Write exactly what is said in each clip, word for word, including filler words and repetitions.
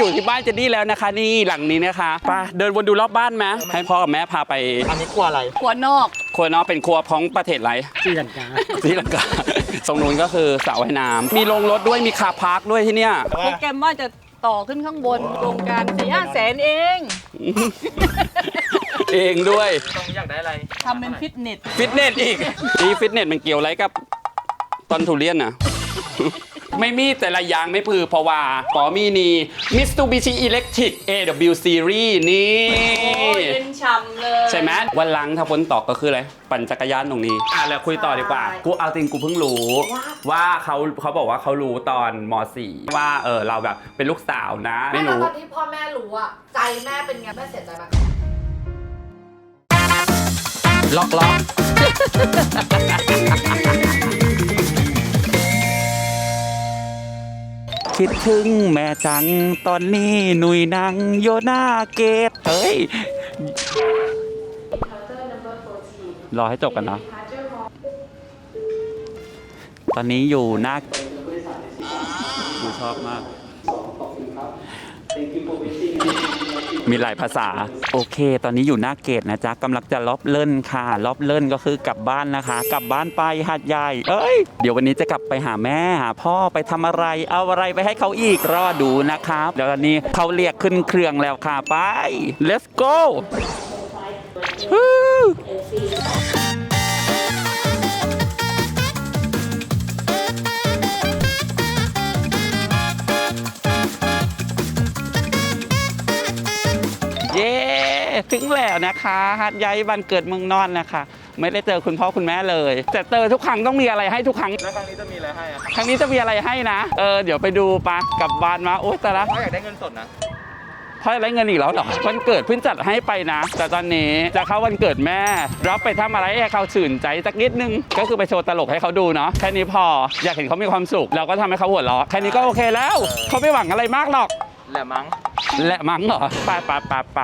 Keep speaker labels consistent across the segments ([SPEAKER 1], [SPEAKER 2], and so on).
[SPEAKER 1] อยู่ที่บ้านเจนนี่แล้วนะคะนี่หลังนี้นะคะไปเดินวนดูรอบบ้านไหมให้พ่อกับแม่พาไป
[SPEAKER 2] อันนี้ครัวอะไร
[SPEAKER 3] ครัวนอก
[SPEAKER 1] ครัวนอกเป็นครัวของประเทศไร
[SPEAKER 2] ศรีลังกา
[SPEAKER 1] ศรีลังกาตรงนู้นก็คือสระว่ายน้ำมีโรงรถด้วยมีคาร์พาร์คด้วยที่เนี้ย
[SPEAKER 3] โปรแกรมว่าจะต่อขึ้นข้างบนโครงการสี่ห้าแสนเอง
[SPEAKER 1] เองด้วย
[SPEAKER 2] ตรงนี้อยากได้อะไร
[SPEAKER 3] ทำเป็นฟิตเนส
[SPEAKER 1] ฟิตเนสอีกนี่ฟิตเนสมันเกี่ยวอะไรกับต้นทุเรียนน่ะไม่มีแต่ละอย่างไม่พือเพราะว่าปอมีนี่ Mitsubishi Electric เอ ดับเบิลยู Series นี่
[SPEAKER 3] เย็นฉ่ำเลย
[SPEAKER 1] ใช่ไหมวันหลังถ้าฝนตกก็คืออะไรปั่นจักรยานตรงนี้อ่ะแล้วคุยต่อดีกว่ากูเอาจริงกูเพิ่งรู้ว่าเขาเขาบอกว่าเขารู้ตอนม.สี่ ว่าเออเราแบบเป็นลูกสาวนะ
[SPEAKER 4] ไม่รู้ตอนที่พ่อแม่รู้อะใจแม่เป็นไงแม่เสียใจไหม
[SPEAKER 1] ล็อกล็อกคิดถึงแม่จังตอนนี้หนุ่ยนังโยนาเกตเฮ้ยรอให้จบกันเนาะตอนนี้อยู่หน้าดูชอบมากมีหลายภาษาโอเคตอนนี้อยู่หน้าเกตนะจ๊ะกำลังจะล็อบเล่นค่ะล็อบเล่นก็คือกลับบ้านนะคะกลับบ้านไปหาดใหญ่เอ้ยเดี๋ยววันนี้จะกลับไปหาแม่หาพ่อไปทำอะไรเอาอะไรไปให้เขาอีกรอดูนะครับเดี๋ยววันนี้เขาเรียกขึ้นเครื่องแล้วค่ะไป let's go เย้ถึงแล้วนะคะหาดใหญ่บ้านเกิดเมืองนอนนะคะไม่ได้เจอคุณพ่อคุณแม่เลยแต่เจอทุกครั้งต้องมีอะไรให้ทุกครั้ง
[SPEAKER 2] แล้วครั้งนี้จะมีอะไรให้อะ
[SPEAKER 1] ครั้งนี้จะมีอะไรให้นะเออเดี๋ยวไปดูปะกลับบ้านมาโอ๊ยแต่ละ
[SPEAKER 2] พ่ออยากได้เงินสดนะ
[SPEAKER 1] พ่ออยากได้เงินอีกแล้วเหรอวันเกิดเพิ่งจัดให้ไปนะแต่ตอนนี้จะเข้าวันเกิดแม่รับไปทำอะไรให้เขาชื่นใจสักนิดนึงก็คือไปโชว์ตลกให้เขาดูเนาะแค่นี้พออยากเห็นเขามีความสุขเราก็ทำให้เขาหัวเราะแค่นี้ก็โอเคแล้วเขาไม่หวังอะไรมากหรอก
[SPEAKER 2] แหละมั้ง
[SPEAKER 1] แหละมั้งเหรอไปไปไปไป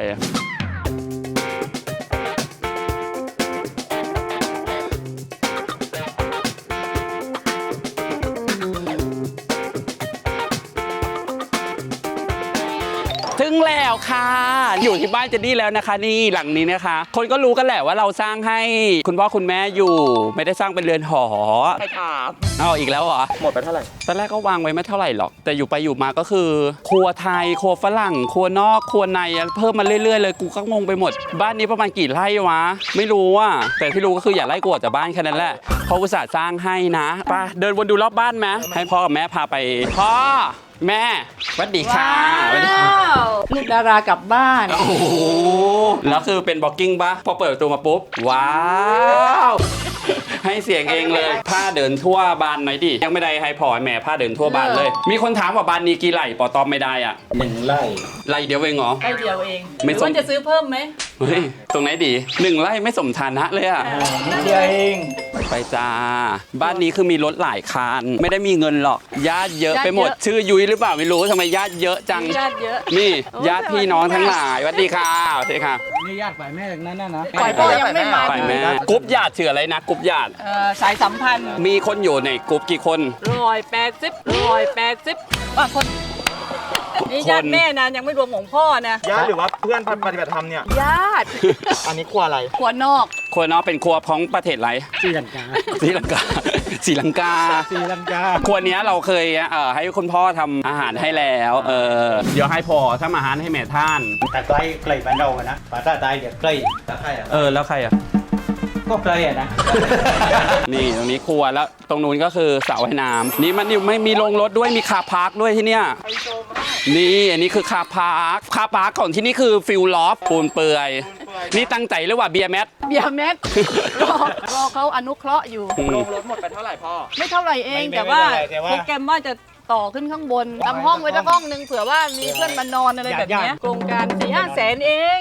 [SPEAKER 1] ถึงแล้วค่ะอยู่ที่บ้านเจนนี่แล้วนะคะนี่หลังนี้นะคะคนก็รู้กันแหละว่าเราสร้างให้คุณพ่อคุณแม่อยู่ไม่ได้สร้างเป็นเรือนหอ
[SPEAKER 2] ใช่ครับ
[SPEAKER 1] เอาอีกแล้วเหรอ
[SPEAKER 2] หมดไปเท่าไหร่
[SPEAKER 1] ตอนแรกก็วางไว้ไม่เท่าไหร่หรอกแต่อยู่ไปอยู่มาก็คือครัวไทยครัวฝรั่งครัวนอกครัวในเพิ่มมาเรื่อยๆเลยกูก็งงไปหมดบ้านนี้ประมาณกี่ไร่วะไม่รู้อ่ะแต่ที่รู้ก็คืออย่าไล่กูออกจากบ้านแค่นั้นแหละเขาอุตส่าห์สร้างให้นะไปเดินวนดูรอบบ้านไหมให้พ่อกับแม่พาไปพ่อแม่สวัสดีค่ะ
[SPEAKER 3] ลูกดารากลับบ้าน
[SPEAKER 1] โอ้โหแล้วคือเป็นบล็อกกิ้งปะพอเปิดประตูมาปุ๊บว้าวให้เสียงเองเลยผ้าเดินทั่วบ้านหน่อยดิยังไม่ได้ให้พ่อแม่ผ้าเดินทั่วบ้านเลยมีคนถามว่าบ้านนี้กี่ไร่ปอตอบไม่ได้อ่ะ
[SPEAKER 2] หนึ่งไร่
[SPEAKER 1] ไร่เดียวเองเหรอ
[SPEAKER 3] ไร่เดียวเองไม่ควรจะซื้อเพิ่มไหม
[SPEAKER 1] เฮ้ยตรงไหนดีหนึ่งไร่ไม่สมฐานะเลยอ่ะ
[SPEAKER 2] นิดเดียวเอง
[SPEAKER 1] ไปจ้าบ้านนี้คือมีรถหลายคันไม่ได้มีเงินหรอกญาติเยอะไปหมดชื่อยุ้ยหรือเปล่าไม่รู้ทำไมญาติเยอะจัง
[SPEAKER 3] ญาติเยอะ
[SPEAKER 1] นี่ญาติพี่น้องทั้งหลายสวัสดีค่ะสวัสดีค่ะ
[SPEAKER 2] นี่ญาติฝ่ายแม่จากนั้นนะ
[SPEAKER 3] ฝ่ายพ่อยังไม่มา
[SPEAKER 1] ฝ่ายแม่กรุ๊ปญาติชื่ออะไรนะกรุ๊ปญาติ
[SPEAKER 3] สายสัมพันธ์
[SPEAKER 1] มีคนอยู่ในกรุ๊ปกี่คน
[SPEAKER 3] ร้อยแปดสิบร้อยแปดสิบว่าคนนี่ญาติแม่นะยังไม่รวมของพ่อนะ
[SPEAKER 2] ญาติหรือว่าเพื่อนปฏิบัติธรรมเนี่ย
[SPEAKER 3] ญาติ
[SPEAKER 2] อันนี้ครัวอะไร
[SPEAKER 3] ครัวนอก
[SPEAKER 1] ครัวนอกเป็นครัวของประเทศไร
[SPEAKER 2] ศรีลังกา
[SPEAKER 1] ศรีลังกาศรีลังกา
[SPEAKER 2] ศรีลังกา
[SPEAKER 1] ครัวนี้เราเคยเอ่อให้คุณพ่อทำอาหารให้แล้วเออเดี๋ยวให้พ่อทำอาหารให้แม่ท่าน
[SPEAKER 2] แต่ใกล้ใกล้บ้านเราอะนะภาษาใต้เดี๋ยวใกล้แต่ใครอะ
[SPEAKER 1] เออแล้วใครอะ
[SPEAKER 2] ก็ใกล้อะนะ
[SPEAKER 1] นี่ตรงนี้ครัวแล้วตรงนู้นก็คือสระว่ายน้ำนี่มันไม่มีโรงรถด้วยมีคาร์พาร์คด้วยที่เนี้ยนี่อันนี้คือคาร์พาร์คคาร์พาร์คของที่นี่คือฟิลลอฟปูนเปื่อยนี่ตั้งใจหรือว่าเบียร์แมท
[SPEAKER 3] เบียร์แมทรอรอเขาอนุเคราะห์อยู่
[SPEAKER 2] โรงรถหมดไปเท่าไหร่พ่อ
[SPEAKER 3] ไม่เท่าไหร่เองแต่ว่าโปรแกรมว่าจะต่อขึ้นข้างบนทำห้องไว้สักห้องนึงเผื่อว่ามีเพื่อนมานอนอะไรแบบนี้โครงการสี่ห้าแสนเอง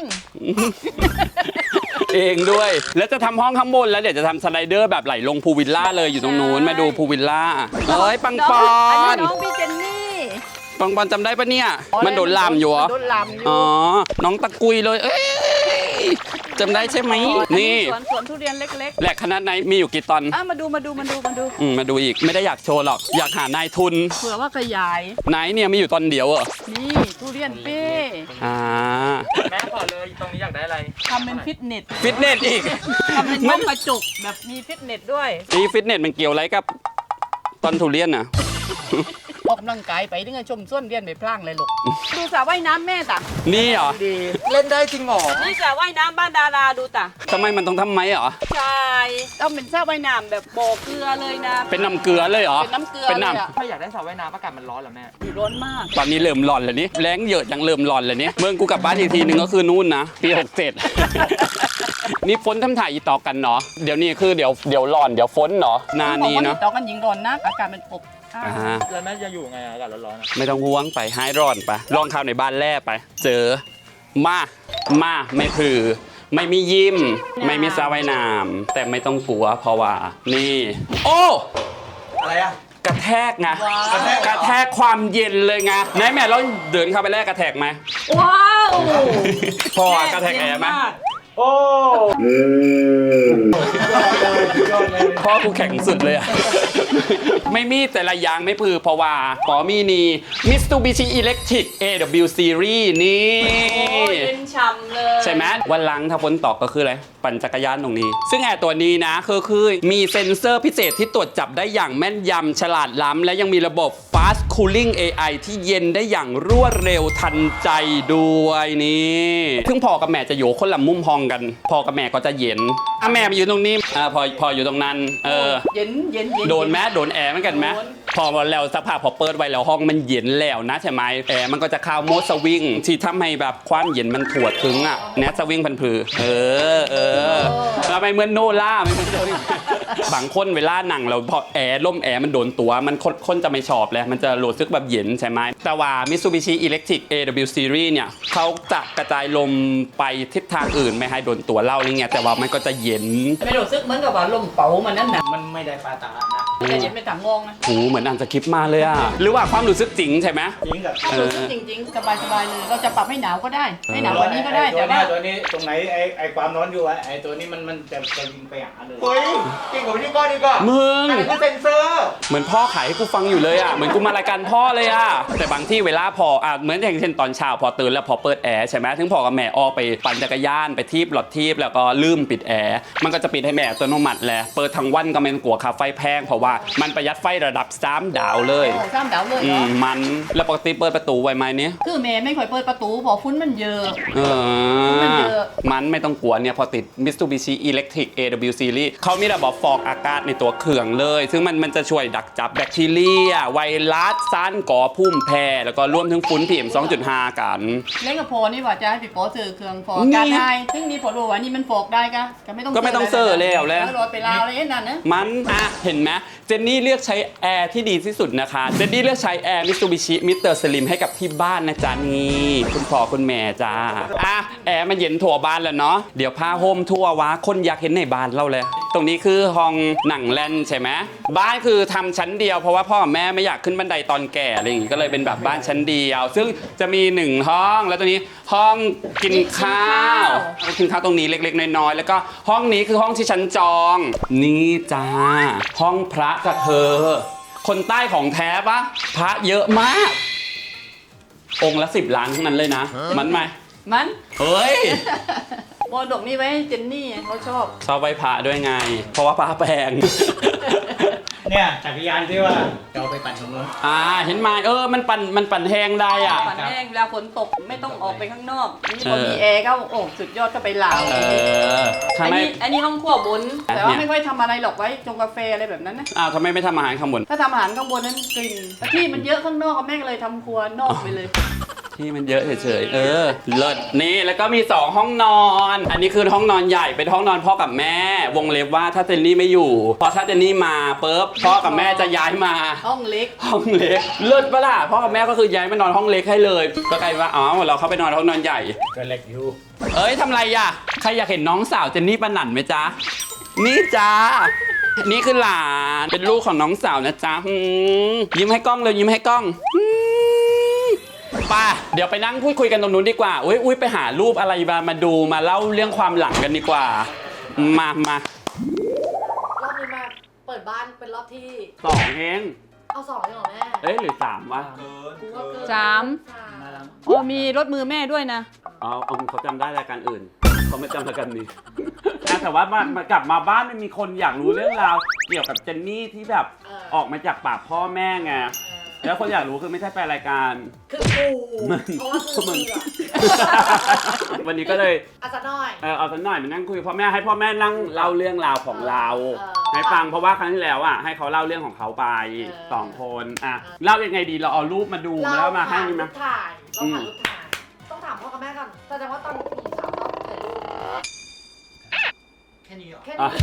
[SPEAKER 1] เองด้วยแล้วจะทำห้องข้างบนแล้วเดี๋ยวจะทำสไลเดอร์แบบไหลลงพูวิลล่าเลยอยู่ตรงนู้นมาดูพูวิลล่าเอ้ยปังปอน
[SPEAKER 3] น้องพี่เจนนี่
[SPEAKER 1] ปังปอนจำได้ปะเนี่ยมันโดนลามอยู่เหรอ
[SPEAKER 3] โดนลามอยู่
[SPEAKER 1] อ๋อน้องตะกุยเลยเอ้ยจำได้ใช่ไหมนี่
[SPEAKER 3] สวนสวนทุเรียนเล็ก
[SPEAKER 1] แหลกขนาดไหนมีอยู่กี่ตอน
[SPEAKER 3] ๆอ่ะมาดูมาดูมาดูมาดู
[SPEAKER 1] อืมมาดูอีกไม่ได้อยากโชว์หรอกอยากหานายทุน
[SPEAKER 3] เผื่อว่าขยาย
[SPEAKER 1] ไหนเนี่ยมีอยู่ตอนเดียวเหรอ
[SPEAKER 3] นี่ทุเรียนเป้
[SPEAKER 1] อ่า
[SPEAKER 5] แม่ขอเลยตรงนี้อยากได้อะไร
[SPEAKER 3] ทำเป็นฟิตเนส
[SPEAKER 1] ฟิตเนสอีก
[SPEAKER 3] ทำเป็นห้องกระจกแบบมีฟิตเนสด้วย
[SPEAKER 1] นี่ฟิตเนสมันเกี่ยวอะไรกับตอนทุเรียนน่ะ
[SPEAKER 3] ออกกำลังกายไปถึงจะชมส้วนเรียนไปพลางเลยลูกดูสระว่ายน้ำแม่ตะ
[SPEAKER 1] นี่เหรอ
[SPEAKER 5] ดีเล่นได้จริงเหรอ
[SPEAKER 3] นี่สระว่ายน้ำบ้านดาราดูตะ
[SPEAKER 1] ทำไมมันต้องทำไมเหรอ
[SPEAKER 3] ใช่ต้องเป็นสระว่ายน้ำแบบบ่อเกลือเลยนะ
[SPEAKER 1] เป็นน้ำเกลือเลยเหรอ
[SPEAKER 3] เป็นน้ำเกลือ
[SPEAKER 1] เป็น
[SPEAKER 3] เลย
[SPEAKER 1] น้
[SPEAKER 3] อะ
[SPEAKER 5] ถ้าอยากได้สระว่ายน้ำอากาศมันร้อนเหรอแม่
[SPEAKER 3] อยู่ร้อนมาก
[SPEAKER 1] ำตอนนี้เริ่มร้อนแล้วนี่แรงเยอะจังเริ่มร้อนแล้วนี่เมื่อกูกลับบ้านอีกทีนึงก็คือนู่นนะปีหกเจ็ด นี่ฝนทำถ่ายอีต่อกันเนาะเดี๋ยวนี้คือเดี๋ยวเดี๋ยวร้อนเดี๋ยวฝนเนาะนานี้เนาะ
[SPEAKER 3] ต่อกันยิงร้อนนะอากาศมันอบอ้าว
[SPEAKER 1] อ่า
[SPEAKER 5] แล้วแม่จะอยู่ไงอากาศร้อนๆอะ
[SPEAKER 1] ไม่ต้องห่วงไปหายร้อนไปลองข้าวในบ้านแร่ไป เจอมามาไม่ถือ ไม่มียิ้ม ไม่มีสระว่ายน้ำแต่ไม่ต้องกลัวเพราะว่า นี่ โอ้
[SPEAKER 5] อะไรอะ
[SPEAKER 1] กระแทกไงกระแทกความเย็นเลยไงไหนแม่เราเดินเข้าไปแรกกระแทกไหม
[SPEAKER 3] ว้าว
[SPEAKER 1] พออะกระแทกแอร์ไหม
[SPEAKER 5] โอ้
[SPEAKER 1] พ่อกูแข็งสุดเลยอะ ไม่มีแต่ละอย่างไม่พือเพราะว่าปอมีนี่ Mitsubishi Electric เอ ดับเบิลยู Series นี่
[SPEAKER 3] โอ้ยเย็นฉ่ำเลย
[SPEAKER 1] ใช่ไหมวันหลังถ้าฝนตกก็คืออะไร ปั่นจักรยานตรงนี้ ซึ่งแอร์ตัวนี้นะคือคือมีเซ็นเซอร์พิเศษที่ตรวจจับได้อย่างแม่นยำฉลาดล้ำและยังมีระบบ Fast Cooling เอ ไอ ที่เย็นได้อย่างรวดเร็วทันใจด้วยนี่ซึ่งพ่อกับแม่จะอยู่คนละมุมห้องกันพ่อกับแม่ก็จะเย็นอ่ะแม่มาอยู่ตรงนี้อ่าพอพออยู่ตรงนั้นเออ
[SPEAKER 3] เย็นเย็นเย็น
[SPEAKER 1] โดนแมโดนแอร์เหมือนกันไหม
[SPEAKER 3] โดน
[SPEAKER 1] พอแล้วสักพักพอเปิดไว้แล้วห้องมันเย็นแล้วนะใช่ไหมแอร์มันก็จะเข้าโหมดสวิงที่ทำให้แบบความเย็นมันถวดถึงอ่ะแนทสวิงพันผือเออเออแล้วไม่เหมือนโนล่าไม่เหมือนโนล่าบางคนเวลาหนังเราพอแอร์ล่มแอร์มันโดนตัวมันคนคนจะไม่ชอบเลยมันจะรู้สึกแบบเย็นใช่ไหมแต่ว่า Mitsubishi Electric เอ ดับเบิลยู Series เนี่ยเขาจะกระจายลมไปทิศทางอื่นไม่ให้โดนตัวเราอะไรเงี้ยแต่ว่ามันก็จะเย็น
[SPEAKER 3] ไม่รู้สึกเหมือนกับว่าลมเป๋ามันนั่นน่ะ
[SPEAKER 2] มันไม่ได้ปาตานะ
[SPEAKER 3] แต่เย็นเป็นถังงงนะ
[SPEAKER 1] หูเหมือนอ่านสคริปต์มาเลยอ่ะหรือว่าความรู้สึกจริงใช่ไหม
[SPEAKER 2] จริงกับ
[SPEAKER 3] ถ้ารู้สึกจริงๆ สบายๆเลย เราจะปรับให้หนาวก็ได้ ให้หนาวกว่านี้ก็ได้
[SPEAKER 2] ตั
[SPEAKER 3] แต่
[SPEAKER 2] วนี้
[SPEAKER 3] ว่า
[SPEAKER 2] ตัวนี้ตรงไหนไอไอความร้อนอยู่อะไอตัวนี้มันมันจะจะยิงไปหาเลย
[SPEAKER 5] เฮ้ยเก่งกว่าพี่ก้อนดีกว่า
[SPEAKER 1] มึง
[SPEAKER 5] อันนี้คือเซนเซอร์
[SPEAKER 1] เหมือนพ่อขายให้กูฟังอยู่เลยอ่ะ เหมือนกูมารายการพ่อเลยอ่ะ แต่บางที่เวลาพออ่ะเหมือนอย่างเช่นตอนเช้าพอตื่นแล้วพอเปิดแอร์ใช่ไหมถึงพ่อกับแม่ออกไปปั่นจักรยานไปทีบหลอดทีบแล้วก็ลืมปิดแอร์ มันก็จะปิดให้แม่อัตโนมัติแหละ เปิดทั้งวันก็ไม่ต้องกลัวค่าไฟแพงเพราะว่ามันประหยัดไฟระดับสามดาวเลย
[SPEAKER 3] โอ้ข้ามดาวเลย
[SPEAKER 1] อื
[SPEAKER 3] เหรอ
[SPEAKER 1] มมัน แล้วปกติเปิดประตูไว้ไหมเนี่ย
[SPEAKER 3] คือแม่ไม่ค่อยเปิดประตูเพอฟุ้นมันเยอะ
[SPEAKER 1] เอ
[SPEAKER 3] มัน
[SPEAKER 1] อ
[SPEAKER 3] เยอะ
[SPEAKER 1] มันไม่ต้องกลัวเนี่ยพอติด Mitsubishi Electric เอ ดับเบิลยู Series เขามีระบบฟอกอากาศในตัวเครื่องเลย ซึ่งมันมันจะช่วยดักจับแบคทีเรีย ไวรัสสารก่อภูมิแพ้ แล้วก็รวมถึงฝุ่น พี เอ็ม สองจุดห้า กัน
[SPEAKER 3] เล่นกับโพนี่ว่าจะให้พี่โป๊ซื้อเครื่องฟอก
[SPEAKER 1] นี่
[SPEAKER 3] การได้ซึ่งนี่พอรู้ว่านี่มันฟอกได้ก็ก็ไม่ต้อง
[SPEAKER 1] ก็ไม่ต้องเซอร์แล้วแล้ว
[SPEAKER 3] รถไปลาวอะไรนั่นนะ
[SPEAKER 1] มันอ่ะเห็นไหมเจนนี่เลือกใช้แอร์ที่ดีที่สุดนะคะ เจนนี่เลือกใช้แอร์ Mitsubishi มิสเตอร์ Slim ให้กับที่บ้านนะจ๊ะนี่คุณพ่อคุณแม่จ้าอ่ะแอร์มันเย็นทั่วบ้านแล้วเนาะเดี๋ยวพาโฮมทั่ววะคนอยากเห็นในบ้านเราเลย ตรงนี้คือห้องหนังแลนใช่ไหมบ้านคือทำชั้นเดียวเพราะว่าพ่อกับแม่ไม่อยากขึ้นบันไดตอนแก่อะไรอย่างงี้ก็เลยเป็นแบบบ้านชั้นเดียว ซึ่งจะมีหนึ่งห้องแล้วตรงนี้ห้องกินข้าวกินข้าวตรงนี้เล็กๆน้อยๆแล้วก็ห้องนี้คือห้องที่ฉันจอง นี่จ้าห้องพระกับเธอ คนใต้ของแท้ปะพระเยอะมาก องค์ละสิบล้านทั้งนั้นเลยนะ มันไหม
[SPEAKER 3] มัน
[SPEAKER 1] เฮ้ย
[SPEAKER 3] มรดกนี่ไว้ให้เจนนี่เขาชอบ
[SPEAKER 1] ชอบไหว้พระด้วยไง เพราะว่าพระแพง
[SPEAKER 2] เนี่ยจักรยานที่ว่าจะเอาไปปั่นตรงนู้น
[SPEAKER 1] อ่าเห็นไหมเออมันปั่นมันปั่นแห้งได้อ่ะ
[SPEAKER 3] ฝันแห้งเวลาฝนตกไม่ต้องออกไปข้างนอก นี่พอ
[SPEAKER 1] เออ
[SPEAKER 3] มีแอร์ก็โอ้สุดยอดก็ไปลาว
[SPEAKER 1] เออทำ
[SPEAKER 3] อัน
[SPEAKER 1] ไม
[SPEAKER 3] นี้อันนี้ห้องครัวบน แต่ว่า
[SPEAKER 1] เนี่ย
[SPEAKER 3] ไม่ค่อยทำอะไรหรอกไว้ชงกาแฟอะไรแบบนั้นนะ
[SPEAKER 1] อ้าวทำไมไม่ทำอาหารข้างบน
[SPEAKER 3] ถ้าทำอาหารข้างบนนั้นกลิ่นแต่ที่มันเยอะข้างนอกก็แม่ก็เลยทำครัวนอกไปเลย
[SPEAKER 1] ที่มันเยอะเฉยๆ เออ เลิศนี่แล้วก็มีสองห้องนอน อันนี้คือห้องนอนใหญ่เป็นห้องนอนพ่อกับแม่ วงเล็บว่าถ้าเจนนี่ไม่อยู่พอถ้าเจนนี่มาปุ๊บพ่อกับแม่จะย้ายมา
[SPEAKER 3] ห้องเล็ก
[SPEAKER 1] ห้องเล็กเลิศปะล่ะพ่อกับแม่ก็คือย้ายมานอนห้องเล็กให้เลยก็กลายว่าอ๋อเราเข้าไปนอนห้องนอนใหญ่
[SPEAKER 2] ก็เล็กอยู่
[SPEAKER 1] เอ้ยทำไรอ่ะใครอยากเห็นน้องสาวเจนนี่ปะหนันไหมจ๊ะนี่จ้านี่คือหลานเป็นลูกของน้องสาวนะจ๊ะอืมยิ้มให้กล้องเลยยิ้มให้กล้องอืมป่ะเดี๋ยวไปนั่งพูดคุยกันตรงนู้นดีกว่าอุ้ยอุ้ยไปหารูปอะไรมามาดูมาเล่าเรื่องความหลังกันดีกว่ามามาร
[SPEAKER 4] อบนี้มาเปิดบ้านเป็นรอบที่
[SPEAKER 1] สองเอง
[SPEAKER 4] เอาสองเลยเหรอแม่
[SPEAKER 1] เอ้ยหรือสามวะ
[SPEAKER 5] เกิน
[SPEAKER 4] กูว่าเกิน
[SPEAKER 3] สาม
[SPEAKER 4] สาม
[SPEAKER 3] โอ้มีรถมือแม่ด้วยนะ
[SPEAKER 1] อ๋อเอาเขาจำได้รายการอื่นเขาไม่จำรายการนี้ แต่ว่ามามากลับมาบ้านมันมีคนอยากรู้เรื่องราวเกี่ยวกับเจนนี่ที่แบบออกมาจากปากพ่อแม่ไง แล้วคนอยากรู้คือไม่ใช่แฟนรายการ
[SPEAKER 4] คือกูเพราะว่ากู
[SPEAKER 1] มึง
[SPEAKER 4] เบื่อ
[SPEAKER 1] วันนี้ก็เลย
[SPEAKER 4] อาซะหน่อย
[SPEAKER 1] เออเอาสักหน่อยมานั่งคุยกับพ่อแม่ให้พ่อแม่นั่งเล่าเรื่องราวของเรา
[SPEAKER 4] เออ
[SPEAKER 1] ให้ฟังเพราะว่าครั้งที่แล้วอ่ะให้เขาเล่าเรื่องของเขาไป
[SPEAKER 4] เออ
[SPEAKER 1] สองคนอ่ะเล่ายังไงดีเราเอารูปมาดูแล้วมาให้
[SPEAKER 4] ถ่าย
[SPEAKER 1] ไหม
[SPEAKER 4] รูปถ่ายเราถ่ายรูปถ่าย ต้องถามพ่อกับแม่ก่อนแสดงว่าตอนผู้หญิงสาวชอบถ่ายรูป
[SPEAKER 5] แค่นี้เหรอ
[SPEAKER 4] แค่
[SPEAKER 1] อ่ะ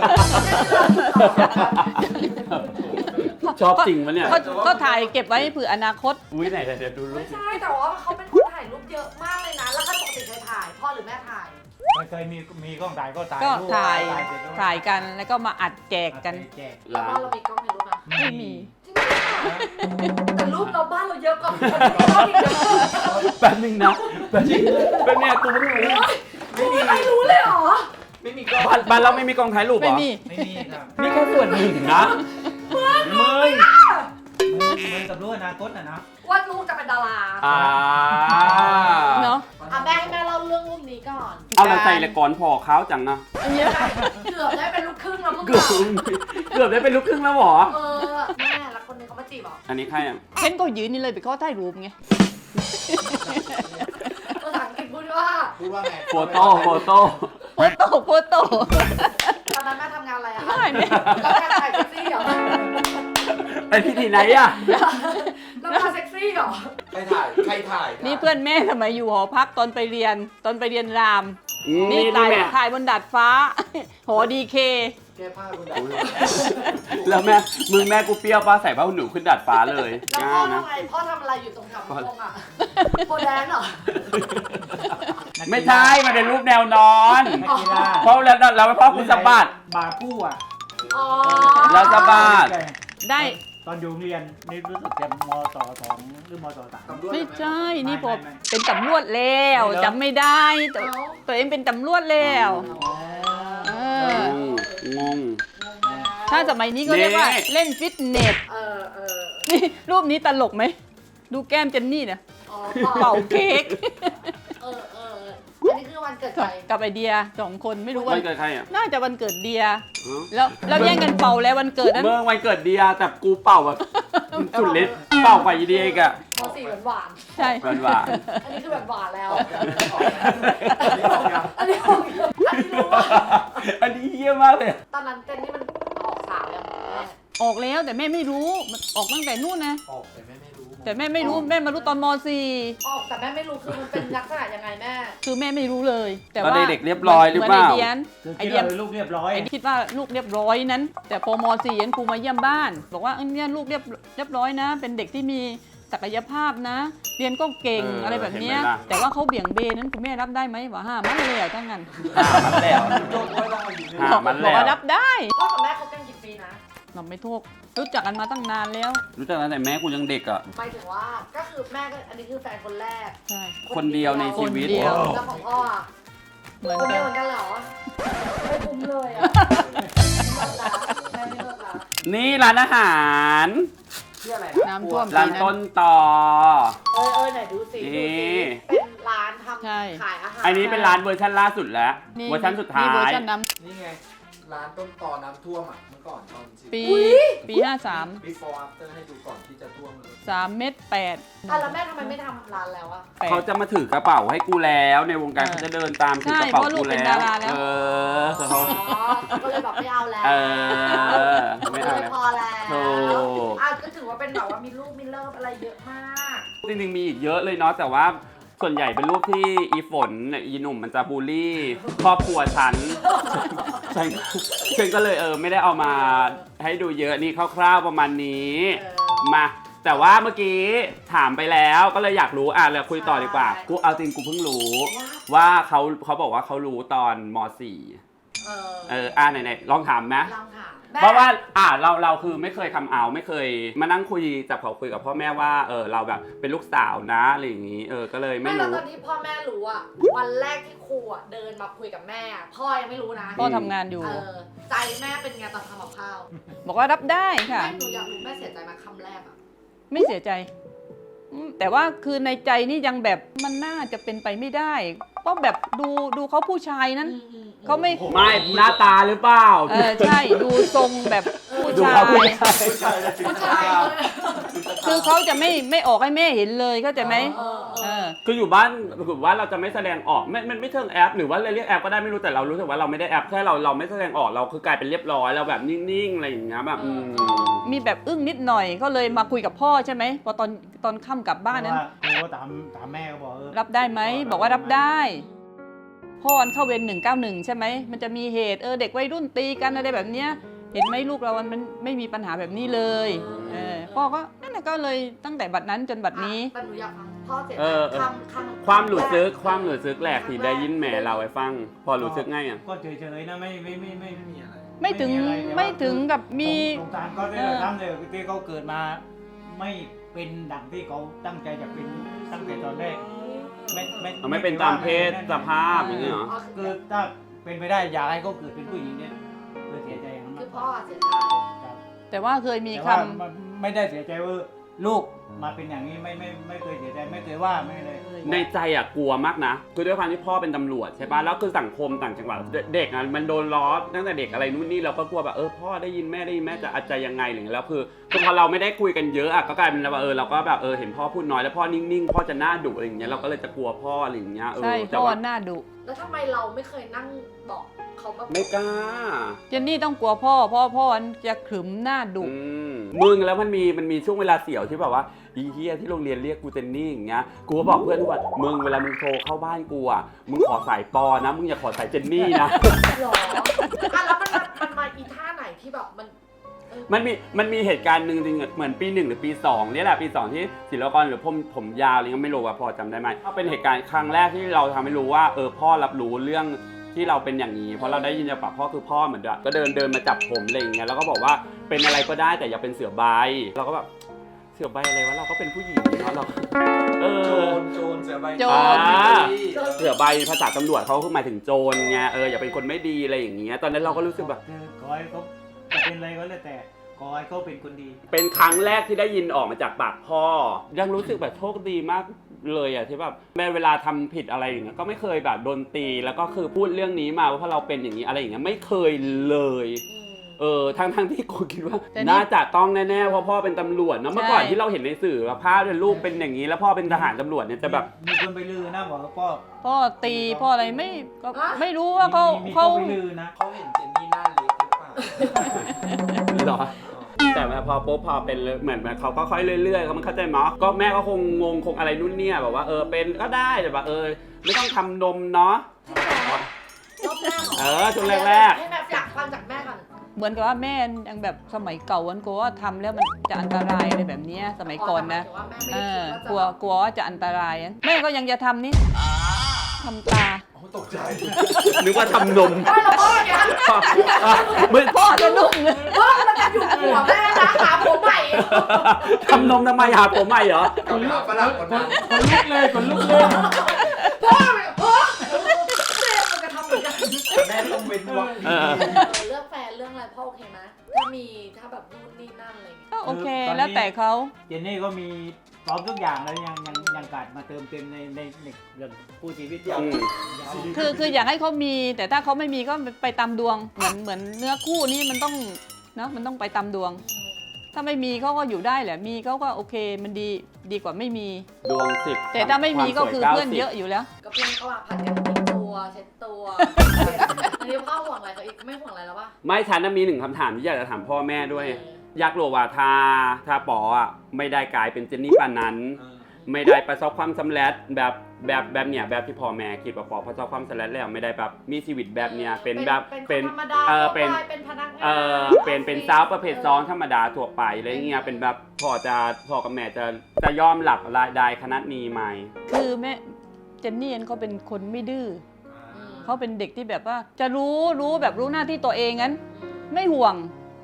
[SPEAKER 4] นี้
[SPEAKER 1] ชอบจริงปะเนี่ย
[SPEAKER 3] เขาเขาถ่ายเก็บไว้เผื่ออนาคต
[SPEAKER 1] อุ้ยไหนเดี๋ยวดูรู
[SPEAKER 4] ไม่
[SPEAKER 1] ป
[SPEAKER 4] ใช่แต่ว่าเขาเป็นคนถ่ายรูปเยอะมากเลยนะ แล้วก็ปกติเคยถ่าย พ่อหรือแม่ถ่าย
[SPEAKER 2] ไม่เคยมีมีกล้องถ่ายก็ถ่าย
[SPEAKER 3] ก็
[SPEAKER 2] รูป
[SPEAKER 3] ถ่าย
[SPEAKER 2] เสร็จแล้ว
[SPEAKER 3] ถ่ายกันแล้วก็มาอัดแจกกัน
[SPEAKER 2] แจก
[SPEAKER 4] แล้วบ้านเรามีกล้องในรูปไหม
[SPEAKER 3] ไม่มี
[SPEAKER 4] จริงเหรอแต่รูปเราบ้านเราเยอะกว่าคนที่เราอีกนะ
[SPEAKER 1] แป๊บนึงนะแป๊บนึงเป็นเนี่ยกูเพิ่งรู้
[SPEAKER 4] ไม่มีใครรู้เลยเหรอ
[SPEAKER 5] ไม่มีกล้อง
[SPEAKER 1] บ้านบ้านเราไม่มีกองถ่ายรูปเหร
[SPEAKER 3] ไม่
[SPEAKER 1] อ
[SPEAKER 3] มี
[SPEAKER 2] ไม่มีครับ
[SPEAKER 1] นี่แค่ส่วนหนึ่งนะมึง
[SPEAKER 2] เหมือนเหมือนกับรู้อนาคตนะนะ
[SPEAKER 4] ว่าลูกจะเป็นดารา
[SPEAKER 1] อ่า
[SPEAKER 3] เนาะ
[SPEAKER 4] อ่ะแม่ให้แม่เล่าเรื่องรูปนี้ก่อน
[SPEAKER 1] เอาเราใส่ละก่อนพอเขาจังนะ
[SPEAKER 3] อันเนี้ย
[SPEAKER 4] เกือบได้เป็นลูกครึ่งแล้วมึง
[SPEAKER 1] เกือบเกือบได้เป็นลูกครึ่งแล้วเหรอ
[SPEAKER 4] เออแม่แล้วคนนึงเขามาจีบเหรอ
[SPEAKER 1] อันนี้ใครอ่ะ
[SPEAKER 3] เห็นก็ยืนนี่เลยไปเขาถ่ายรูปไง
[SPEAKER 4] ภาษาอังกฤษพูดว่า
[SPEAKER 5] พูดว่าไง
[SPEAKER 1] โฟโต้โฟโต้
[SPEAKER 3] โฟโต้โฟโต้
[SPEAKER 4] ตอนนั้นแม่ทำงานอะไรอะคะ
[SPEAKER 3] ไม่แม่
[SPEAKER 4] แล้วแม่ถ่ายเซ็กซี่เหรอ
[SPEAKER 1] ไอพี่ทีไหนอ่ะ
[SPEAKER 4] แล้วมาเซ็กซี่เหรอ
[SPEAKER 5] ใครถ่าย ใครถ่าย
[SPEAKER 3] นี่เพื่อนแม่สมัยอยู่หอพักตอนไปเรียนตอนไปเรียนราม
[SPEAKER 1] นี่
[SPEAKER 3] นี่
[SPEAKER 1] นี่
[SPEAKER 3] ถ่าย
[SPEAKER 1] แม่
[SPEAKER 3] ถ่ายบนดาดฟ้า หอดีเค
[SPEAKER 5] แก้ผ้าคุณ
[SPEAKER 1] แล้วแม่มึงแม่กูเปรี้ยวป้าใส่ผ้าหนูขึ้นดาดฟ้าเลย
[SPEAKER 4] แล้ว
[SPEAKER 1] ก
[SPEAKER 4] พ่อ
[SPEAKER 1] ล้านะ
[SPEAKER 4] ทำไงพ่อทำอะไรอยู่ตรงแถวพงอ่ะโพแดนเหรอ
[SPEAKER 1] ไม่ใช่มันเป็นรูปแนวนอน
[SPEAKER 2] นักกีฬา
[SPEAKER 1] เพราะแล้วเราไม่พ่อกูสะบัด
[SPEAKER 2] บาคู่อ่ะ
[SPEAKER 4] อ๋อ
[SPEAKER 1] แล้วสะบัด
[SPEAKER 3] ได้
[SPEAKER 2] ตอนอยู่โรงเรียนนี่รู้สึกจะมสองหรือมสสาม
[SPEAKER 3] ไม่ใช่นี่พอ
[SPEAKER 2] ไม่ไม่
[SPEAKER 3] เป็นตำรวจแล้วจำไม่ได้ตัวตัวเองเป็นตำรวจแล้วเออ
[SPEAKER 1] งง
[SPEAKER 3] ถ้าสมัยนี้ก็เรียกว่า
[SPEAKER 1] นี่
[SPEAKER 3] เล่นฟิตเนส
[SPEAKER 4] เออเออ
[SPEAKER 3] นี่รูปนี้ตลกไหม ดูแก้มเจนนี่เนี่ย
[SPEAKER 4] อ๋อ
[SPEAKER 3] เป่าเค้ก
[SPEAKER 4] เออเอออันนี้คือวันเกิดใคร
[SPEAKER 3] กับไอเดียสองคนไม่รู้
[SPEAKER 1] วั
[SPEAKER 3] วัน น
[SPEAKER 1] เกิดใครอ่ะ
[SPEAKER 3] น่าจะวันเกิดเดีย
[SPEAKER 1] อ๋อ
[SPEAKER 3] แล้วแล้วแย่งกันเป่าแล้ววันเกิดนั้น
[SPEAKER 1] เมื่อวันเกิดเดียแต่กูเป่าแบบสุดฤทธิ์เป่ากว่าอีเดียอีกอะ
[SPEAKER 4] มสี่หวานหวาน
[SPEAKER 3] ใช่
[SPEAKER 1] หวานหวาน
[SPEAKER 4] ๆอันนี้คือแบบหวานแล้ว
[SPEAKER 5] อันนี้ออกยัง
[SPEAKER 4] อันนี้ออกอันนี้รู้ว่า
[SPEAKER 1] อันนี้เยี่ยมากเลย
[SPEAKER 4] ตอนนั้นเจนนี่มันออกสาวยังแม่
[SPEAKER 3] ออกแล้วแต่แม่ไม่รู้มันออกตั้งแต่นู่นนะ
[SPEAKER 5] ออกแต่แม่ไม่รู้
[SPEAKER 3] แต่แม่ไม่รู้แม่มารู้ตอนม .สี่
[SPEAKER 4] ออกแต่แม่ไม่รู้คือมันเป็นลักษณะยังไงแม่
[SPEAKER 3] คือแม่ไม่รู้เลย แต่
[SPEAKER 1] ตอน
[SPEAKER 3] ว่า
[SPEAKER 1] เด็กๆเรียบร้อยหรือเปล่า
[SPEAKER 3] มืนไอเดียน
[SPEAKER 2] คือ
[SPEAKER 3] ไอ
[SPEAKER 2] คิด
[SPEAKER 3] เดียน
[SPEAKER 2] ว่าเป็นลูกเรียบร้อย
[SPEAKER 3] ไอคิดว่าลูกเรียบร้อยนั้น แต่พอม .สี่ ยันครูมาเยี่ยมบ้าน บอกว่าเอ้ยเนี่ยลูกเรียบเรียบร้อยนะ เป็นเด็กที่มีศักยภาพนะ เรียนก็เก่ง
[SPEAKER 1] เอออ
[SPEAKER 3] อะไรแบบเนี้ย
[SPEAKER 1] เห็นไหมล่ะ
[SPEAKER 3] แต่ว่าเขาเบี่ยงเบนนั้นคุณแม่รับได้ไหมบอกห้ามันเลยอะทั้งนั้น
[SPEAKER 1] หามันแล้ว
[SPEAKER 5] โดนไว้ได้อยู่
[SPEAKER 1] หามัน
[SPEAKER 3] บอก
[SPEAKER 1] แล้ว
[SPEAKER 3] ว่ารับได้
[SPEAKER 4] พ่อกับแม่คบกันกี่ปีนะ
[SPEAKER 3] เราไม่ทุกรู้จักกันมาตั้งนานแล้ว
[SPEAKER 1] รู้จักตั้งแต่แม่กูยังเด็กอ่ะ
[SPEAKER 4] หมายถึงว่าก็คือแม่ก็อันนี้คือแฟนคนแรก
[SPEAKER 3] ใช่
[SPEAKER 1] คนเดียวในชีวิต
[SPEAKER 3] คนเดียว
[SPEAKER 4] แล้วของพ่ออะ
[SPEAKER 3] เหมือน
[SPEAKER 4] คนเดี
[SPEAKER 3] กั
[SPEAKER 4] ยวน เหมือนกันเหรอไม่คุ้มเลยอ่ะแม่ไม่เลิกละ
[SPEAKER 1] นี่ร้านอาหาร
[SPEAKER 5] ที่อะไร
[SPEAKER 3] น้ำท่วม
[SPEAKER 1] ร้านต้นต่อ
[SPEAKER 4] เออเออไหนดูสิดู
[SPEAKER 1] นี่
[SPEAKER 4] สิเป็นร้านทำ
[SPEAKER 3] ใช่
[SPEAKER 4] ขายอาหาร
[SPEAKER 1] อันนี้เป็นร้านเวอร์ชันล่าสุดแล้ว
[SPEAKER 3] นี่
[SPEAKER 1] เวอร์ชันสุดท้า
[SPEAKER 3] นี่เวอร์
[SPEAKER 1] ย
[SPEAKER 3] ชันน้
[SPEAKER 5] นี่ไง ร้านต้นตอน้ำท่วมอ่ะ เมื่อก่อนตอนสิ
[SPEAKER 3] ำปีปีห้าสาม
[SPEAKER 5] before after ให้ดูก่อนที่จะท่วมเลย
[SPEAKER 3] สามเม็ดแปด
[SPEAKER 4] อ่ะแล้วแม่ทำไมไม่ทำร้านแล้วอ่ะ
[SPEAKER 3] แปด
[SPEAKER 1] เขาจะมาถือกระเป๋าให้กูแล้วในวงการ
[SPEAKER 3] เออ
[SPEAKER 1] เขาจะเดินตามถือ
[SPEAKER 3] ใช่
[SPEAKER 1] กระเป๋า
[SPEAKER 3] เพราะลู
[SPEAKER 1] กู
[SPEAKER 3] กเป็น
[SPEAKER 1] แล้ว
[SPEAKER 3] ดาราแล้ว
[SPEAKER 1] เออเขา
[SPEAKER 4] อ๋อก็เลยแบบไม่เอาแล้ว
[SPEAKER 1] เออไม่เอา
[SPEAKER 4] ก็เลย
[SPEAKER 1] แล้ว
[SPEAKER 4] พอแล้ว
[SPEAKER 1] ถูก
[SPEAKER 4] อ่ะก็ถือว่าเป็นแบบว่ามีลูกมีเลิฟอะไรเยอะมาก
[SPEAKER 1] จริงๆมีอีกเยอะเลยเนาะแต่ว่าส่วนใหญ่เป็นรูปที่อีฝนเนี่ยอีหนุ่มมันจะบูลลี่ครอบครัวฉัน ฉันฉันก็เลยเออไม่ได้เอามาให้ดูเยอะนี่คร่าวๆประมาณนี้
[SPEAKER 4] เออ
[SPEAKER 1] มาแต่ว่าเมื่อกี้ถามไปแล้วก็เลยอยากรู้อ่ะเราคุยต่อดีกว่า
[SPEAKER 4] ใช่
[SPEAKER 1] กูเอาจริงกูเพิ่งรู้
[SPEAKER 4] ว่า
[SPEAKER 1] ว่าเขาเขาบอกว่าเขารู้ตอนม .สี่
[SPEAKER 4] เออ
[SPEAKER 1] เอออ่ะไหนๆลองถามไหม
[SPEAKER 4] ลองถาม
[SPEAKER 1] เพราะว่าอ่าเราเราคือไม่เคยคำเอาไม่เคยมานั่งคุยจับเขาคุยกับพ่อแม่ว่าเออเราแบบเป็นลูกสาวนะอะไรอย่างนี้เออก็เลยไม่
[SPEAKER 4] ไม่แล้ว
[SPEAKER 1] รู้
[SPEAKER 4] ตอนที่พ่อแม่รู้อะวันแรกที่ครูอะเดินมาคุยกับแม่อะพ่อยังไม่รู้นะ
[SPEAKER 3] พ่อทำงานอยู่
[SPEAKER 4] เออใจแม่เป็นไงตอนทำกับข้าว
[SPEAKER 3] บอกว่ารับได้ค่ะ
[SPEAKER 4] แม่หนูอยากรู้แม่เสียใจไหมาคำแรกอะ
[SPEAKER 3] ไม่เสียใจอืมแต่ว่าคือในใจนี่ยังแบบมันน่าจะเป็นไปไม่ได้ เพราะแบบดูดูเขาผู้ชายนั้น
[SPEAKER 4] อืมอืม
[SPEAKER 3] เขาไม่
[SPEAKER 1] ไม่หน้าตาหรือเปล่า
[SPEAKER 3] เออใช่ดูทรงแบบผู้
[SPEAKER 1] ดู
[SPEAKER 3] ชา
[SPEAKER 1] เขาผู้
[SPEAKER 3] ย
[SPEAKER 1] ชาย
[SPEAKER 5] ผู้ชายและจิต
[SPEAKER 4] ผู้
[SPEAKER 5] ใจ
[SPEAKER 4] ชายเลย
[SPEAKER 3] คือเขาจะไม่ไม่ออกให้แม่เห็นเลยเข้าใจไหม
[SPEAKER 4] เออเอ
[SPEAKER 3] เอ
[SPEAKER 4] อ
[SPEAKER 3] อ
[SPEAKER 1] คืออยู่บ้านคือว่าเราจะไม่แสดงออกไม่มันไม่เชิงแอปหรือว่าเรียกแอปก็ได้ไม่รู้แต่เรารู้สึกว่าเราไม่ได้แอปแค่เราเราไม่แสดงออกเราคือกลายเป็นเรียบร้อยเราแบบนิ่งๆอะไรอย่างเงี้ยแบบอืม
[SPEAKER 3] มีแบบอึ้งนิดหน่อยก็เลยมาคุยกับพ่อใช่ไหมพอตอนตอนค่ำกลับบ้านนั้น
[SPEAKER 2] เพระว่ครูก็ถามถามแม่ก็บอกเออ
[SPEAKER 3] รับได้ไหมบอกว่ารับได้ พ่อวันเข้าเวรหนึ่งเก้าหนึ่งใช่ไหมมันจะมีเหตุเออเด็กวัยรุ่นตีกันอะไรแบบเนี้ยเห็นไหมลูกเรามันมันไม่มีปัญหาแบบนี้เลยเออพ่อก็นั่นแหละก็เลยตั้งแต่บัดนั้นจนบัดนี้
[SPEAKER 4] แต่หนูอยากฟังพ่อเสียใจ
[SPEAKER 1] เออเออ
[SPEAKER 4] คำคำ
[SPEAKER 1] ความหลุดซึกความหลุดซึกแหลกที่ได้ยินแม่เราให้ฟัง พอหลุดซึกง่ายอ่ะ
[SPEAKER 2] ก็เฉยๆนะไม่ไม่ไม่ไม่
[SPEAKER 5] ไม่มีอะไร
[SPEAKER 3] ไม่ถึง
[SPEAKER 2] ไม่มีอะไรแต่ว่า
[SPEAKER 3] ไม่ถึงกับมี
[SPEAKER 2] สงสารก็ได้
[SPEAKER 3] เออ
[SPEAKER 2] ทำเลยที่เขาเกิดมา ไม่เป็นดังที่เขาตั้งใจจะเป็นตั้งแต่ตอนแรกไม่ไม่
[SPEAKER 1] เอาไม่เป็นตามเพศสภาพอย่างเงี้ยเหรอ
[SPEAKER 4] อ๋อ
[SPEAKER 2] คื
[SPEAKER 4] คือ อ
[SPEAKER 2] ถ้าเป็นไปได้อยากให้เขาเกิดเป็นผู้หญิงเนี่ยเลยเสียใจอย่างนั้น
[SPEAKER 4] คื
[SPEAKER 2] มา
[SPEAKER 4] อก พ่
[SPEAKER 2] ก
[SPEAKER 4] อ
[SPEAKER 2] ว่า
[SPEAKER 4] เสียใจ
[SPEAKER 2] ครับ
[SPEAKER 3] แต่ว่าเคยมี
[SPEAKER 2] แต่
[SPEAKER 3] ค
[SPEAKER 2] ว่ามันไม่ได้เสียใจว่าลูกมาเป็นอย่างนี้ไม่ไม่ไม่เคยเสียใจไม่เคยว่าไม่เลย
[SPEAKER 1] ในใจอ่ะกลัวมากนะ คือด้วยความที่พ่อเป็นตำรวจใช่ป่ะแล้วคือสังคมต่างจังหวัดเด็กอ่ะมันโดนล้อตั้งแต่เด็กอะไรนู่นนี่เราก็กลัวแบบเออพ่อได้ยินแม่ได้ยินแม่จะอาจจะยังไงหรือแล้วคือคือพอเราไม่ได้คุยกันเยอะอ่ะก็กลายเป็นว่าเออเราก็แบบเออเห็นพ่อพูดน้อยแล้วพ่อนิ่งๆพ่อจะหน้าดุอะไรอย่างเงี้ยเราก็เลยจะกลัวพ่ออะไรอย่างเงี้ยเอ
[SPEAKER 3] ำใช่
[SPEAKER 1] อแต่
[SPEAKER 3] พ่อ
[SPEAKER 1] ว่า
[SPEAKER 3] หน้าดุ
[SPEAKER 4] แล้วทำไมเราไม่เคยนั่งบอกเขาแบบ
[SPEAKER 1] ไม่กล้า
[SPEAKER 3] เจนนี่ต้องกลัวพ่อเพ่อพ่อจะขรึมหน้าดุ
[SPEAKER 1] อืมมึงแล้วมันมีมันมีช่วงเวลาเสี่ยวที่แบบว่าอีเฮียที่โรงเรียนเรียกกูเจนนี่อย่างเงี้ยกูก็บอกเพื่อนทุกวันมึงเวลามึงโทรเข้าบ้านกูอ่ะมึงขอสายปอนะมึงอย่าขอสายเจนนี่นะ
[SPEAKER 4] หรออ่ะแล้วมันมันมันมาอีท่าไหนที่แบบมันเออ
[SPEAKER 1] มันมีมันมีเหตุการณ์หนึ่งจริงๆเหมือนปีหนึ่งหรือปีสองนี่แหละปีสองที่ศิลปากรหรือผมผมยาวอะไรเงี้ยไม่รู้ว่าพอจำได้ไหมก็เป็นเหตุการณ์ครั้งแรกที่เราทำให้รู้ว่าเออพ่อรับรู้เรื่องที่เราเป็นอย่างนี้เพราะเราได้ยินจากปากพ่อคือพ่อเหมือนแบบก็เดินเดินมาจับผมอะไรอย่างเงี้ยแล้วก็บอกว่าเป็นอะไรก็ได้แต่อย่าเป็นเสือใบเราก็แบบเสือใบอะไรวะเราก็เป็นผู้หญิงเนาะเราเอ
[SPEAKER 5] โจ
[SPEAKER 1] อ
[SPEAKER 5] รโจรเสือใบ
[SPEAKER 3] โจร
[SPEAKER 1] อ่า
[SPEAKER 5] ที่
[SPEAKER 1] เสือใบภาษาตำรวจเขาคือหมายถึงโจรไงเอออย่าเป็นคนไม่ดีอะไรอย่างเงี้ยตอนนั้นเราก็รู้สึกแบบ
[SPEAKER 2] คือขอให้เขาจะเป็นอะไรก็แล้วแต่ขอให้เขาเป็นคนดี
[SPEAKER 1] เป็นครั้งแรกที่ได้ยินออกมาจากปากพ่อ ยังรู้สึกแบบโชคดีมากเลยอ่ะที่แบบแม้เวลาทำผิดอะไรอย่างเงี้ยก็ไม่เคยแบบโดนตีแล้วก็คือพูดเรื่องนี้มาว่าเพราะเราเป็นอย่างนี้อะไรอย่างเงี้ยไม่เคยเลย
[SPEAKER 4] อืม
[SPEAKER 1] เออทั้งทั้งที่กูคิดว่า
[SPEAKER 3] แต่นี่
[SPEAKER 1] น่าจะต้องแน่ๆเพราะพ่อเป็นตำรวจเนอะเมื่อก่อน
[SPEAKER 3] ใช่
[SPEAKER 1] ที่เราเห็นในสื่อว่าภาพเป็นลูกเป็นอย่างนี้ แล้วพ่อเป็นทหารตำรวจเนี่ยจะแบบ
[SPEAKER 2] มีคนไปลือนะบอกว่าพ่อ
[SPEAKER 3] พ่อตีพ่ออะไรไม่ก็ไม่รู้ว่าเขา
[SPEAKER 2] มีมี
[SPEAKER 3] เขา
[SPEAKER 2] คนไปลือนะ
[SPEAKER 5] เขาเห็นเจนนี่หน้าเล็กหรือเปล่า
[SPEAKER 1] เหรอ แต่พอปุ๊บพอเป็นเหมือนเขาก็ค่อยเรื่อยๆเขามันเข้าใจมั้ยก็แม่ก็คงงงคงอะไรนู่นเนี่ยแบบว่าเออเป็นก็ได้แต่แบบเออไม่ต้องทำนมเนาะ
[SPEAKER 4] รอบแรกหร
[SPEAKER 1] เออช่วงแรกๆ
[SPEAKER 4] ให้แบบอยากฟังจากแม่ก่อน
[SPEAKER 3] เหมือนกับว่าแม่ยังแบบสมัยเก่าวันกลัวว่าทำแล้วมันจะอันตรายอะไรแบบเนี้ยสมัยก่อนนะ
[SPEAKER 4] ว่าแม่ไม่
[SPEAKER 3] เอ
[SPEAKER 4] ได้
[SPEAKER 3] อ
[SPEAKER 4] คิด
[SPEAKER 3] กลัว
[SPEAKER 4] ว่าจะ
[SPEAKER 3] กลัวว่าจะอันตรายอะแม่ก็ยังจะทำนี่ทำตา
[SPEAKER 5] โอ้ตกใจ
[SPEAKER 1] นึกว่าทำนม
[SPEAKER 4] ไม่หรอกพ่อเนี่ย
[SPEAKER 1] มึง
[SPEAKER 3] พ่อจะนุ่งเลย
[SPEAKER 4] พ่อมันจะอยู่หัวแม่นะหาผมใหม่
[SPEAKER 1] ทำนมทำไมหาผมใหม่เหรอ
[SPEAKER 5] กับหาฝรั่งคนนั้น
[SPEAKER 2] คนลุกเลยคนลุกเลย
[SPEAKER 4] พ่อเนี่ยพ่อแม่มันจะทำเหมือนกัน
[SPEAKER 5] แม่ต้องเว้นวรรคดี
[SPEAKER 1] เออ
[SPEAKER 4] เรื่องแฟนเรื่องอะไรพ่อโอเคไหมถ้ามีถ้าแบบนู่นนี่นั่นอะไรอย่างเงี้ย
[SPEAKER 3] ก็โอเคแล้วแต่เขา
[SPEAKER 2] เจนนี่ก็มีพร้อมทุกอย่างแล้วยังยังยังขาดมาเติมเต็มในในในเรื่องผู้ชีวิตอย่าง
[SPEAKER 1] อืม
[SPEAKER 3] คือคืออยากให้เขามี แต่ถ้าเขาไม่มีก็ไปตามดวง เหมือนเหมือนเนื้อคู่นี่มันต้องเนอะมันต้องไปตามดวง ถ้าไม่มีเขาก็อยู่ได้แหละมีเขาก็โอเคมันดีดีกว่าไม่มี
[SPEAKER 1] ดวงสิบ
[SPEAKER 3] แต่ถ้าไม่มีก็คือ
[SPEAKER 1] วามสวย
[SPEAKER 3] เพื่อนเยอะ
[SPEAKER 1] ก้าสิบ
[SPEAKER 3] อยู่แล้ว
[SPEAKER 4] ก็เพื่อนก็ว่าผัดกันทิ้งตัวเช็ดตัวอันนี้พ่อห่วงอะไรเขาอีกไม่ห่วงอะไรแล้วป่ะ
[SPEAKER 1] ไม่ฉันน่ะมีหนึ่งคำถามที่อยากจะถามพ่อแม่ด้วย
[SPEAKER 4] เออ
[SPEAKER 1] อยากรู้ว่าถ้าถ้าปออ่ะไม่ได้กลายเป็นเจนนี่ปานนั้น
[SPEAKER 5] เออ
[SPEAKER 1] ไม่ได้ประสบความสำเร็จแบบแบบแบบเนี้ยแบบที่พ่อแม่คิดว่าปอประสบความสำเร็จแล้วไม่ได้แบบมีชีวิตแบบเนี้ยเป็นแบบ
[SPEAKER 4] เป็นธรรมดา
[SPEAKER 1] เออ
[SPEAKER 4] เป็
[SPEAKER 1] เป็น น
[SPEAKER 4] เป็นพนักงาน
[SPEAKER 1] เออเป็นเป็นสาวประเภทสองธรรมดาทั่วไปอะไรเงี้ยเป็นแบบพ่อจะพ่อกับแม่จะจะยอมหลับรายได้ขนาดนี้ไหม
[SPEAKER 3] คือแม่เจนนี่เขาเป็นคนไม่ดื้อ
[SPEAKER 4] อืม
[SPEAKER 3] เขาเป็นเด็กที่แบบว่า จะรู้รู้แบบรู้หน้าที่ตัวเองงั้น ไม่ห่วง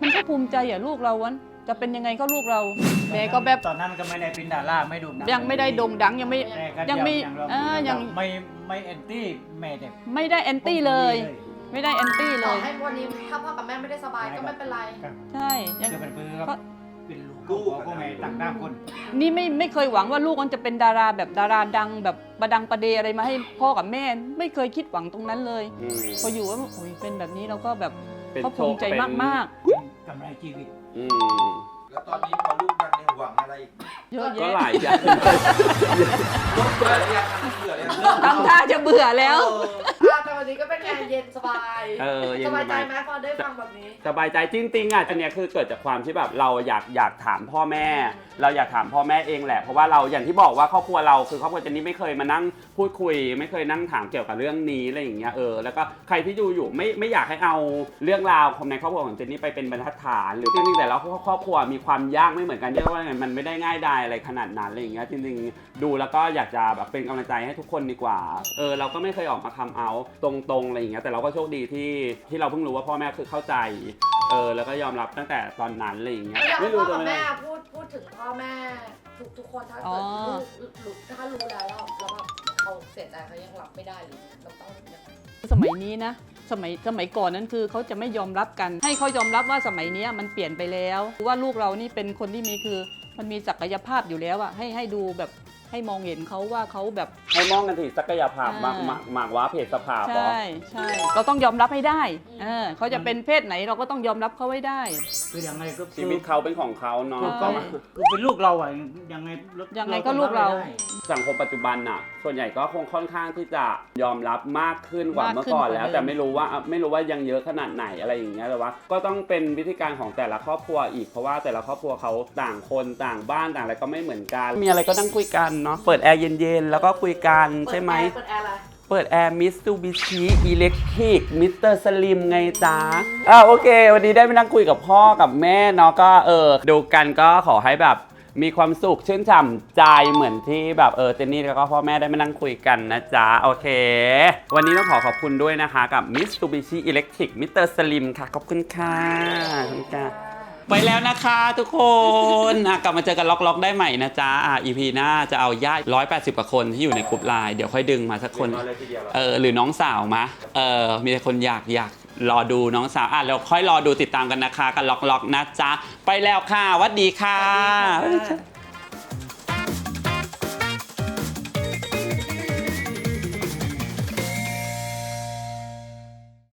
[SPEAKER 3] มันก็ภูมิใจอ่ะลูกเราวันจะเป็นยังไงก็ลูกเราแม่ก็แบบ
[SPEAKER 2] ตอนนั้นก็ไม่ได้เป็นดาราไม่โด่งดัง
[SPEAKER 3] ยังไม่ได้โด่งดังยังไม่
[SPEAKER 2] แต่ก็
[SPEAKER 3] ยังไม่
[SPEAKER 2] เรา
[SPEAKER 3] เออยัง
[SPEAKER 2] ไม่ไม่แอนตี้แม่แต่
[SPEAKER 3] ไม่ได้แอนตี้เลย ไม่ได้แอนตี้เล
[SPEAKER 4] ต่อย ให้วันนี้ถ้าพ่อกับแม่ไม่ได้สบายก็ไม่เป็นไร
[SPEAKER 3] ใช่ยัง
[SPEAKER 2] จะเป็นเพื่อน
[SPEAKER 3] ก็
[SPEAKER 2] เป็นลูกของพ่อแม่ต่างด้ามคน
[SPEAKER 3] นี่ไม่ไม่เคยหวังว่าลูกมันจะเป็นดาราแบบดาราดังแบบประดังประเดอะไรมาให้พ่อกับแม่ไม่เคยคิดหวังตรงนั้นเลย
[SPEAKER 1] อืม
[SPEAKER 3] พออยู่ว่าโอ้ยเป็นแบบนี้เราก็แบบ
[SPEAKER 1] เป็น
[SPEAKER 3] เขาภูมิใจ
[SPEAKER 1] โชคเป็น
[SPEAKER 3] มาก
[SPEAKER 2] กำไรชีวิต
[SPEAKER 1] อืม
[SPEAKER 5] แล้วตอนนี้พอลูกดังเนี่ยหวังอะไรอีก
[SPEAKER 3] ๆเยอะ
[SPEAKER 1] ก็
[SPEAKER 3] แยะ
[SPEAKER 1] หลายอย่าง
[SPEAKER 5] เบื่อหรือยังเบื่อหรือยังเลิก
[SPEAKER 3] ทำท่าจะเบื่อแล้ว
[SPEAKER 4] อ่ะแต่วันนี้ก็เป็นไงเย็นสบาย
[SPEAKER 1] เออเย็น
[SPEAKER 4] ส
[SPEAKER 1] ส
[SPEAKER 4] บายใจ
[SPEAKER 1] บาย
[SPEAKER 4] ไหมพอได้ฟังแบบนี้
[SPEAKER 1] สบายใจจริงๆอ่ะอันเนี้ยคือเกิดจากความที่แบบเราอยากอยากถามพ่อแม่ เราอยากถามพ่อแม่เองแหละเพราะว่าเราอย่างที่บอกว่าครอบครัวเราคือครอบครัวเจนนี่ไม่เคยมานั่งพูดคุย ไม่เคยนั่งถามเกี่ยวกับเรื่องนี้อะไรอย่างเงี้ยเออแล้วก็ใครที่ดูอยู่ไม่ไม่อยากให้เอาเรื่องราวของในครอบครัวของเจนนี่ไปเป็นบรรทัดฐานหรือจริงๆแต่ละครอบครัวมีความยากไม่เหมือนกันเรียกว่าไงมันไม่ได้ง่ายดายอะไรขนาดนั้นอะไรอย่างเงี้ยจริงๆดูแล้วก็อยากจะแบบเป็นกำลังใจให้ทุกคนดีกว่าเออเราก็ไม่เคยออกมาคำเอาตรงๆอะไรอย่างเงี้ยแต่เราก็โชคดีที่ที่เราเพิ่งรู้ว่าพ่อแม่คือเข้าใจเออแล้วก็ยอมรับตั้งแต่ตอนนั้นอะไรอย่างเงี้ย
[SPEAKER 4] อยากให้
[SPEAKER 1] ไม่
[SPEAKER 4] พ่
[SPEAKER 1] รู้
[SPEAKER 4] อ
[SPEAKER 1] จะ
[SPEAKER 4] กับ
[SPEAKER 1] ไม่
[SPEAKER 4] แม่พูดพูดถึงพ่อแม่ทุกทุกคนถ้าเกิดลูกรู้ถ้ารู้แล้วแล้วแล้วแบบเขาเสียใจเขายังรับไม่ได้หรือเราต้องยังไง
[SPEAKER 3] สมัยนี้นะ สมัยสมัยก่อนนั้นคือเขาจะไม่ยอมรับกัน ให้เขายอมรับว่าสมัยนี้มันเปลี่ยนไปแล้วว่าลูกเรานี่เป็นคนที่มีคือมันมีศักยภาพอยู่แล้วอะให้ให้ดูแบบให้มองเห็นเขาว่าเขาแบบ
[SPEAKER 1] ให้มองกันที่ศักยภาพมาก
[SPEAKER 3] อ่าม
[SPEAKER 1] มากมากว่าเพศสภาพเหรอ
[SPEAKER 3] ใช่ใช่เราต้องยอมรับให้ได้เออเขาจะเป็นเพศไหนเราก็ต้องยอมรับเขาไว้ได้
[SPEAKER 2] คือยังไงก็
[SPEAKER 1] ชีวิตเขาเป็นของเขาเนาะ
[SPEAKER 2] คือ
[SPEAKER 3] ใช่
[SPEAKER 2] ก็คือเป็นลูกเราอ่ะยังไง
[SPEAKER 3] ยังไงก็ลูกเรา
[SPEAKER 2] ไม่ได้
[SPEAKER 1] สังคมปัจจุบันน่ะ ส่วนใหญ่ก็คงค่อนข้างที่จะยอมรับมากขึ้นกว่าม
[SPEAKER 3] ากขึ้น
[SPEAKER 1] เมื่อก่อนแล้ว
[SPEAKER 3] กว่าเดิม
[SPEAKER 1] แต่ไม่รู้ว่าไม่รู้ว่ายังเยอะขนาดไหนอะไรอย่างเงี้ยแต่ว่า ก็ต้องเป็นวิธีการของแต่ละครอบครัวอีกเพราะว่าแต่ละครอบครัวเขาต่างคนต่างบ้านต่างอะไรก็ไม่เหมือนกัน มีอะไรก็นั่งคุยกันเนาะเปิดแอร์เย็นๆแล้วก็คุยกันใช่ไหม
[SPEAKER 4] เปิดแอร์อะไร
[SPEAKER 1] เปิดแอร์ Mitsubishi Electric มิสเตอร์ Slim ไงจ๊ะอ่าโอเค วันนี้ได้ไปนั่งคุยกับพ่อกับแม่เนาะก็เออดูกันก็ขอให้แบบมีความสุขชื่นฉ่ำใจเหมือนที่แบบเออเจนนี่แล้วก็พ่อแม่ได้มานั่งคุยกันนะจ๊ะโอเค วันนี้ต้องขอขอบคุณด้วยนะคะกับ Mitsubishi Electric มิสเตอร์ Slim ค่ะขอบคุณค่ะขอบคุณค่ะไปแล้วนะคะทุกคนอ่ะกลับมาเจอกันล็อกๆได้ใหม่นะจ๊ะอ่ะ อี พี หน้าจะเอาญาติร้อยแปดสิบกว่าคนที่อยู่ในกลุ่มไลน์เดี๋ยวค่อยดึงมาสักคน เออหรือน้องสาวมะเออมีแต่คนอยากอยากรอดูน้องสาวอ่ะเราค่อยรอดูติดตามกันนะคะกันล็อกๆนะจ๊ะไปแล้วค่ะหวัดดีค่ะ
[SPEAKER 2] สวัสดีค่ะ